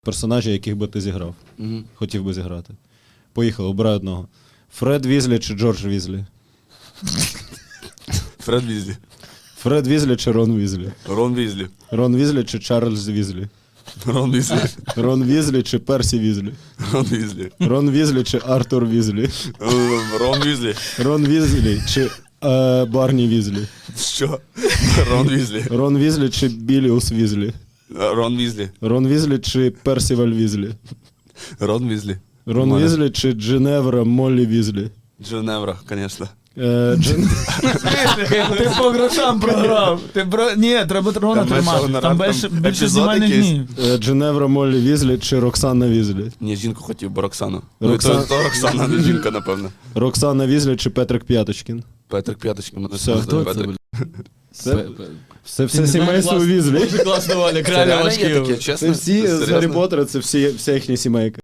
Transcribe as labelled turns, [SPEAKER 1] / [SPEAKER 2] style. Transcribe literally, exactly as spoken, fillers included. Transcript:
[SPEAKER 1] персонажі, яких би ти зіграв.
[SPEAKER 2] Угу.
[SPEAKER 1] Хотів би зіграти. Поїхали, обирай одного. Фред Візлі чи Джордж Візлі?
[SPEAKER 2] Фред Візлі.
[SPEAKER 1] Фред Візлі чи Рон Візлі?
[SPEAKER 2] Рон Візлі.
[SPEAKER 1] Рон Візлі чи Чарльз Візлі?
[SPEAKER 2] Рон Візлі.
[SPEAKER 1] Рон Візлі чи Персі Візлі?
[SPEAKER 2] Рон Візлі.
[SPEAKER 1] Рон Візлі чи Артур Візлі?
[SPEAKER 2] Рон Візлі.
[SPEAKER 1] Рон Візлі чи е, Барні Візлі?
[SPEAKER 2] Що? Рон Візлі.
[SPEAKER 1] Рон Візлі чи Біліус Візлі?
[SPEAKER 2] Рон Візлі.
[SPEAKER 1] Рон Візлі чи Персіваль Візлі?
[SPEAKER 2] Рон Візлі.
[SPEAKER 1] Рон
[SPEAKER 2] Нормально.
[SPEAKER 1] Візлі чи Джиневра Моллі Візлі?
[SPEAKER 2] Дженевра, звісно.
[SPEAKER 1] Е, Джин...
[SPEAKER 3] Ти по грошам програв. Ти бро... Ні, треба трона
[SPEAKER 2] Там
[SPEAKER 3] тримати.
[SPEAKER 2] більше
[SPEAKER 3] Там
[SPEAKER 2] гонорар,
[SPEAKER 3] більше,
[SPEAKER 2] там
[SPEAKER 3] більше
[SPEAKER 2] епізод
[SPEAKER 3] знімальних
[SPEAKER 2] якийсь.
[SPEAKER 3] днів.
[SPEAKER 1] е, Джиневра Моллі Візлі чи Роксана Візлі?
[SPEAKER 2] Ні, жінку хотів, бо Роксану.
[SPEAKER 1] Роксан-
[SPEAKER 2] Ну, то, то Роксана, не жінка, напевно.
[SPEAKER 1] Роксана Візлі чи Петрик П'яточкін?
[SPEAKER 2] Петрик П'яточка. Мене
[SPEAKER 1] Все,
[SPEAKER 2] звати
[SPEAKER 1] хто
[SPEAKER 2] Петрик.
[SPEAKER 1] Це, це все сімейство Візлі.
[SPEAKER 3] Дуже класно, Валя,
[SPEAKER 2] Це
[SPEAKER 3] крайне
[SPEAKER 2] реально є
[SPEAKER 3] важкі.
[SPEAKER 2] таке, чесно?
[SPEAKER 1] Це всі
[SPEAKER 2] Це
[SPEAKER 1] з
[SPEAKER 2] серйозно?
[SPEAKER 1] Гаррі Поттера, це всі, вся їхня сімейка.